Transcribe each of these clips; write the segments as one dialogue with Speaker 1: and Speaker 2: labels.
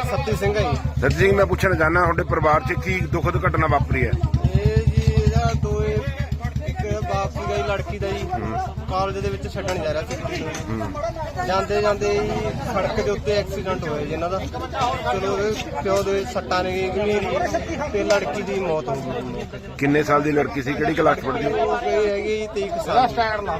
Speaker 1: सत्ती सिंह है जी।
Speaker 2: सती सिंह मैं पूछना चाहना ਤੁਹਾਡੇ ਪਰਿਵਾਰ 'ਚ ਕੀ ਦੁਖਦ ਘਟਨਾ ਵਾਪਰੀ ਹੈ?
Speaker 1: ਇਹ ਜੀ ਇਹਦਾ ਇੱਕ ਬਾਪ ਸੀਗਾ ਜੀ ਲੜਕੀ ਦਾ ਜੀ ਕਾਲਜ ਦੇ ਵਿੱਚ ਛੱਡਣ ਜਾ ਰਿਹਾ ਸੀ ਕੁੜੀ ਨੂੰ। ਜਾਂਦੇ ਜਾਂਦੇ ਜੀ ਸੜਕ ਦੇ ਉੱਤੇ ਐਕਸੀਡੈਂਟ ਹੋਇਆ ਜੀ ਇਹਨਾਂ ਦਾ। ਚਲੋ ਉਹਦੇ ਪਿਓ ਦੇ ਸੱਟਾਂ ਨੇ ਗੰਭੀਰ ਤੇ ਲੜਕੀ ਦੀ ਮੌਤ ਹੋ ਗਈ।
Speaker 2: ਕਿੰਨੇ ਸਾਲ ਦੀ ਲੜਕੀ ਸੀ, ਕਿਹੜੀ ਕਲਾਸ ਪੜ੍ਹਦੀ?
Speaker 1: ਉਹ ਹੈਗੀ ਜੀ 23 ਕੁ ਸਾਲ।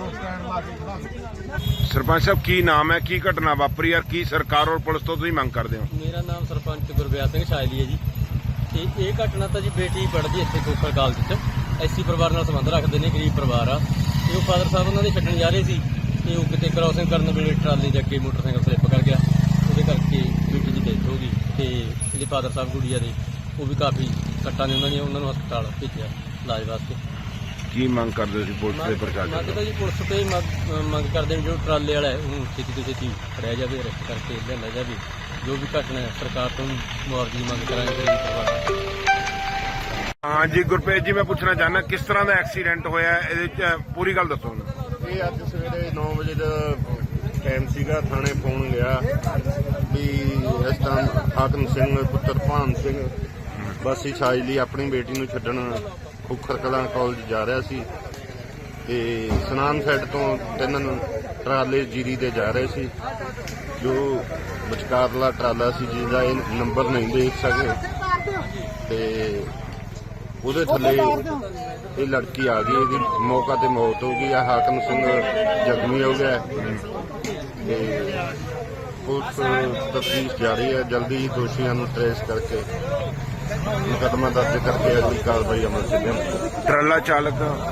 Speaker 2: ਸਰਪੰਚ ਸਾਹਿਬ ਕੀ ਨਾਮ ਹੈ, ਕੀ ਘਟਨਾ ਵਾਪਰੀ ਹੈ, ਕੀ ਸਰਕਾਰ ਔਰ ਪੁਲਿਸ ਤੋਂ ਤੁਸੀਂ ਮੰਗ ਕਰਦੇ ਹੋ?
Speaker 3: ਮੇਰਾ ਨਾਮ ਸਰਪੰਚ ਗੁਰਬਿਆਸ ਸਿੰਘ ਸ਼ਾਇਲੀ ਹੈ ਜੀ। ਤੇ ਇਹ ਘਟਨਾ ਤਾਂ ਜੀ ਬੇਟੀ ਪੜ੍ਹਦੀ ਇੱਥੇ ਖੋਖਰ ਕਾਲਜ 'ਚ, ਐਸੀ ਪਰਿਵਾਰ ਨਾਲ ਸੰਬੰਧ ਰੱਖਦੇ ਨੇ, ਗਰੀਬ ਪਰਿਵਾਰ ਆ। ਤੇ ਉਹ ਫਾਦਰ ਸਾਹਿਬ ਉਹਨਾਂ ਦੇ ਛੱਡਣ ਜਾ ਰਹੇ ਸੀ ਤੇ ਉਹ ਕਿਤੇ ਕ੍ਰਾਸਿੰਗ ਕਰਨ ਵੇਲੇ ਟਰਾਲੀ ਦੇ ਅੱਗੇ ਮੋਟਰਸਾਈਕਲ ਸਲਿੱਪ ਕਰ ਗਿਆ। ਉਹਦੇ ਕਰਕੇ ਬੇਟੀ ਦੀ ਡੈਥ ਹੋ ਗਈ ਤੇ ਇਹਦੇ ਫਾਦਰ ਸਾਹਿਬ ਗੁੜੀਆ ਦੇ ਉਹ ਵੀ ਕਾਫੀ ਸੱਟਾਂ ਨੇ, ਉਹਨਾਂ ਨੂੰ ਹਸਪਤਾਲ ਭੇਜਿਆ ਇਲਾਜ ਵਾਸਤੇ।
Speaker 2: ਕੀ ਮੰਗ ਕਰਦੇ ਸੀ ਪੁਲਿਸ ਦੇ ਪ੍ਰਸ਼ਾਸਨ?
Speaker 3: ਮੰਗ ਤਾਂ ਜੀ ਪੁਲਿਸ ਤੇ ਮੰਗ ਕਰਦੇ ਨੇ, ਜੋ ਟਰਾਲੇ ਵਾਲਾ ਹੈ ਉਹਨੂੰ ਛੇਤੀ ਤੋਂ ਛੇਤੀ ਫੜਿਆ ਜਾਵੇ, ਅਰੈਸਟ ਕਰਕੇ ਲਿਆਂਦਾ ਜਾਵੇ। ਜੋ ਵੀ ਘਟਨਾ ਹੈ ਸਰਕਾਰ ਤੋਂ ਮੁਆਵਜ਼ੇ ਦੀ ਮੰਗ ਕਰਾਂਗੇ ਗਰੀਬ ਪਰਿਵਾਰ।
Speaker 2: ਹਾਂ ਜੀ ਗੁਰਪ੍ਰੀਤ ਜੀ, ਮੈਂ ਪੁੱਛਣਾ ਚਾਹਨਾ ਕਿਸ ਤਰ੍ਹਾਂ ਦਾ ਐਕਸੀਡੈਂਟ ਹੋਇਆ, ਇਹਦੇ 'ਚ ਪੂਰੀ ਗੱਲ ਦੱਸੋ।
Speaker 4: ਇਹ ਅੱਜ ਸਵੇਰੇ 9 ਵਜੇ ਦਾ ਟਾਈਮ ਸੀਗਾ। ਥਾਣੇ ਫੋਨ ਗਿਆ ਵੀ ਇਸ ਤਰ੍ਹਾਂ ਹਾਕਮ ਸਿੰਘ ਪੁੱਤਰ ਭਾਨ ਸਿੰਘ ਵਾਸੀ ਛਾਜਲੀ ਆਪਣੀ ਬੇਟੀ ਨੂੰ ਛੱਡਣ ਖੁਖਰ ਕਲਾਂ ਕਾਲਜ ਜਾ ਰਿਹਾ ਸੀ ਤੇ ਸਨਾਨ ਸਾਈਡ ਤੋਂ ਤਿੰਨ ਟਰਾਲੇ ਜੀਰੀ ਦੇ ਜਾ ਰਹੇ ਸੀ। ਜੋ ਵਿਚਕਾਰਲਾ ਟਰਾਲਾ ਸੀ ਜਿਹਦਾ ਇਹ ਨੰਬਰ ਨਹੀਂ ਦੇਖ ਸਕੇ ਤੇ ਉਹਦੇ ਥੱਲੇ ਇਹ ਲੜਕੀ ਆ ਗਈ। ਇਹਦੀ ਮੌਕਾ ਤੇ ਮੌਤ ਹੋ ਗਈ। ਆ ਹਾਕਮ ਸਿੰਘ ਜ਼ਖਮੀ ਹੋ ਗਿਆ ਤੇ ਪੁਲਿਸ ਤਫਤੀਸ਼ ਜਾਰੀ ਹੈ। ਜਲਦੀ ਹੀ ਦੋਸ਼ੀਆਂ ਨੂੰ ਟ੍ਰੇਸ ਕਰਕੇ ਮੁਕੱਦਮਾ ਦਰਜ ਕਰਕੇ ਅਗਲੀ ਕਾਰਵਾਈ ਅਮਲ 'ਚ ਲਿਆਂਦੀ।
Speaker 2: ਟਰਾਲਾ ਚਾਲਕ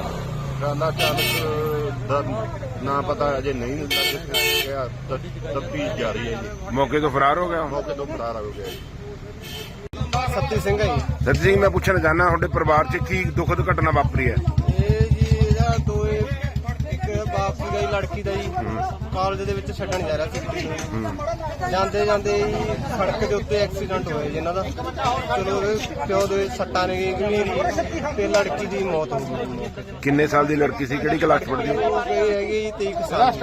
Speaker 4: ਦਾ ਨਾਂ ਪਤਾ ਅਜੇ ਨਹੀਂ ਲੱਗ ਗਿਆ। ਤਫਤੀਸ਼ ਜਾਰੀ ਹੈ ਜੀ।
Speaker 2: ਮੌਕੇ ਤੋਂ ਫਰਾਰ ਹੋ ਗਿਆ।
Speaker 4: ਮੌਕੇ ਤੋਂ ਫਰਾਰ ਹੋ ਗਿਆ ਜੀ।
Speaker 1: ਸੱਤੀ ਸਿੰਘ ਹੈ ਜੀ।
Speaker 2: ਸਤੀ ਸਿੰਘ ਮੈਂ ਪੁੱਛਣਾ ਚਾਹਨਾ ਤੁਹਾਡੇ ਪਰਿਵਾਰ 'ਚ ਕੀ ਦੁਖਦ ਘਟਨਾ ਵਾਪਰੀ ਹੈ?
Speaker 1: ਇਹ ਜੀ ਇਹਦਾ ਇੱਕ ਬਾਪ ਸੀਗਾ ਜੀ ਲੜਕੀ ਦਾ ਜੀ ਕਾਲਜ ਦੇ ਵਿੱਚ ਛੱਡਣ ਜਾ ਰਿਹਾ ਸੀ ਕੁੜੀ ਨੂੰ। ਜਾਂਦੇ ਜਾਂਦੇ ਜੀ ਸੜਕ ਦੇ ਉੱਤੇ ਐਕਸੀਡੈਂਟ ਹੋਇਆ ਜੀ ਇਹਨਾਂ ਦਾ। ਚਲੋ ਉਹਦੇ ਪਿਓ ਦੇ ਸੱਟਾਂ ਨੇ ਗੰਭੀਰ ਤੇ ਲੜਕੀ ਦੀ ਮੌਤ ਹੋ ਗਈ।
Speaker 2: ਕਿੰਨੇ ਸਾਲ ਦੀ ਲੜਕੀ ਸੀ, ਕਿਹੜੀ ਕਲਾਸ ਪੜ੍ਹਦੀ?
Speaker 1: ਉਹ ਹੈਗੀ ਜੀ 23 ਕੁ ਸਾਲ।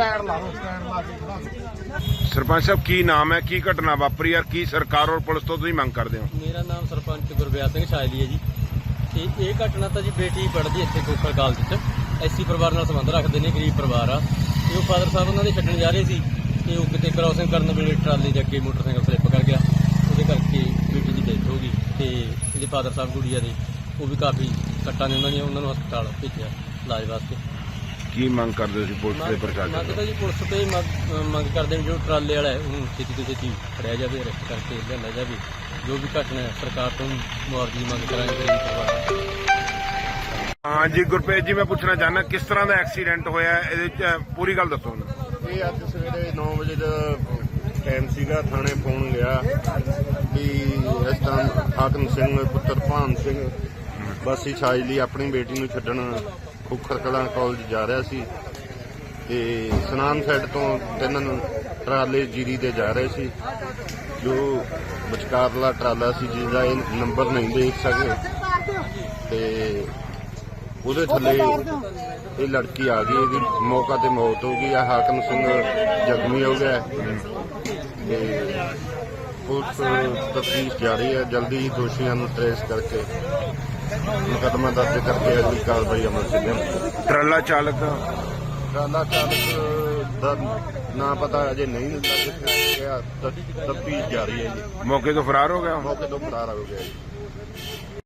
Speaker 2: ਸਰਪੰਚ ਸਾਹਿਬ ਕੀ ਨਾਮ ਹੈ, ਕੀ ਘਟਨਾ ਵਾਪਰੀ ਹੈ, ਕੀ ਸਰਕਾਰ ਔਰ ਪੁਲਿਸ ਤੋਂ ਤੁਸੀਂ ਮੰਗ ਕਰਦੇ ਹੋ?
Speaker 3: ਮੇਰਾ ਨਾਮ ਸਰਪੰਚ ਗੁਰਬਿਆਸ ਸਿੰਘ ਸ਼ਾਇਲੀ ਹੈ ਜੀ। ਤੇ ਇਹ ਘਟਨਾ ਤਾਂ ਜੀ ਬੇਟੀ ਪੜ੍ਹਦੀ ਇੱਥੇ ਖੋਖਰ ਕਾਲਜ 'ਚ, ਐਸੀ ਪਰਿਵਾਰ ਨਾਲ ਸੰਬੰਧ ਰੱਖਦੇ ਨੇ, ਗਰੀਬ ਪਰਿਵਾਰ ਆ। ਤੇ ਉਹ ਫਾਦਰ ਸਾਹਿਬ ਉਹਨਾਂ ਦੇ ਛੱਡਣ ਜਾ ਰਹੇ ਸੀ ਤੇ ਉਹ ਕਿਤੇ ਕ੍ਰਾਸਿੰਗ ਕਰਨ ਵੇਲੇ ਟਰਾਲੀ ਦੇ ਅੱਗੇ ਮੋਟਰਸਾਈਕਲ ਸਲਿੱਪ ਕਰ ਗਿਆ। ਉਹਦੇ ਕਰਕੇ ਬੇਟੀ ਦੀ ਡੈਥ ਹੋ ਗਈ ਤੇ ਇਹਦੇ ਫਾਦਰ ਸਾਹਿਬ ਗੁੜੀਆ ਦੇ ਉਹ ਵੀ ਕਾਫੀ ਸੱਟਾਂ ਨੇ, ਉਹਨਾਂ ਨੂੰ ਹਸਪਤਾਲ ਭੇਜਿਆ ਇਲਾਜ ਵਾਸਤੇ।
Speaker 2: ਕੀ ਮੰਗ ਕਰਦੇ ਸੀ ਪੁਲਿਸ ਦੇ ਪ੍ਰਸ਼ਾਸਨ?
Speaker 3: ਮੰਗ ਤਾਂ ਜੀ ਪੁਲਿਸ ਤੇ ਮੰਗ ਕਰਦੇ ਨੇ, ਜੋ ਟਰਾਲੇ ਵਾਲਾ ਹੈ ਉਹਨੂੰ ਛੇਤੀ ਤੋਂ ਛੇਤੀ ਫੜਿਆ ਜਾਵੇ, ਅਰੈਸਟ ਕਰਕੇ ਲਿਆਂਦਾ ਜਾਵੇ। ਜੋ ਵੀ ਘਟਨਾ ਹੈ ਸਰਕਾਰ ਤੋਂ ਮੁਆਵਜ਼ੇ ਦੀ ਮੰਗ ਕਰਾਂਗੇ ਗਰੀਬ ਪਰਿਵਾਰ।
Speaker 2: ਹਾਂ ਜੀ ਗੁਰਪ੍ਰੀਤ ਜੀ, ਮੈਂ ਪੁੱਛਣਾ ਚਾਹਨਾ ਕਿਸ ਤਰ੍ਹਾਂ ਦਾ ਐਕਸੀਡੈਂਟ ਹੋਇਆ, ਇਹਦੇ 'ਚ ਪੂਰੀ ਗੱਲ ਦੱਸੋ।
Speaker 4: ਇਹ ਅੱਜ ਸਵੇਰੇ 9 ਵਜੇ ਦਾ ਟਾਈਮ ਸੀਗਾ। ਥਾਣੇ ਫੋਨ ਗਿਆ ਵੀ ਇਸ ਤਰ੍ਹਾਂ ਹਾਕਮ ਸਿੰਘ ਪੁੱਤਰ ਭਾਨ ਸਿੰਘ ਵਾਸੀ ਛਾਜਲੀ ਆਪਣੀ ਬੇਟੀ ਨੂੰ ਛੱਡਣ ਖੁਖਰ ਕਲਾਂ ਕਾਲਜ ਜਾ ਰਿਹਾ ਸੀ ਤੇ ਸਨਾਨ ਸਾਈਡ ਤੋਂ ਤਿੰਨ ਟਰਾਲੇ ਜੀਰੀ ਦੇ ਜਾ ਰਹੇ ਸੀ। ਜੋ ਵਿਚਕਾਰਲਾ ਟਰਾਲਾ ਸੀ ਜਿਹਦਾ ਇਹ ਨੰਬਰ ਨਹੀਂ ਦੇਖ ਸਕੇ ਤੇ ਉਹਦੇ ਥੱਲੇ ਇਹ ਲੜਕੀ ਆ ਗਈ। ਇਹਦੀ ਮੌਕਾ ਤੇ ਮੌਤ ਹੋ ਗਈ। ਆ ਹਾਕਮ ਸਿੰਘ ਜ਼ਖਮੀ ਹੋ ਗਿਆ ਤੇ ਪੁਲਿਸ ਤਫਤੀਸ਼ ਜਾਰੀ ਹੈ। ਜਲਦੀ ਹੀ ਦੋਸ਼ੀਆਂ ਨੂੰ ਟ੍ਰੇਸ ਕਰਕੇ ਮੁਕੱਦਮਾ ਦਰਜ ਕਰਕੇ ਅਗਲੀ ਕਾਰਵਾਈ ਅਮਲ 'ਚ ਲਿਆਂਦੀ।
Speaker 2: ਟਰਾਲਾ ਚਾਲਕ
Speaker 4: ਦਾ ਨਾਂ ਪਤਾ ਅਜੇ ਨਹੀਂ ਲੱਗ ਗਿਆ। ਤਫਤੀਸ਼ ਜਾਰੀ ਹੈ ਜੀ।
Speaker 2: ਮੌਕੇ ਤੋਂ ਫਰਾਰ ਹੋ ਗਿਆ।
Speaker 4: ਮੌਕੇ ਤੋਂ ਫਰਾਰ ਹੋ ਗਿਆ ਜੀ।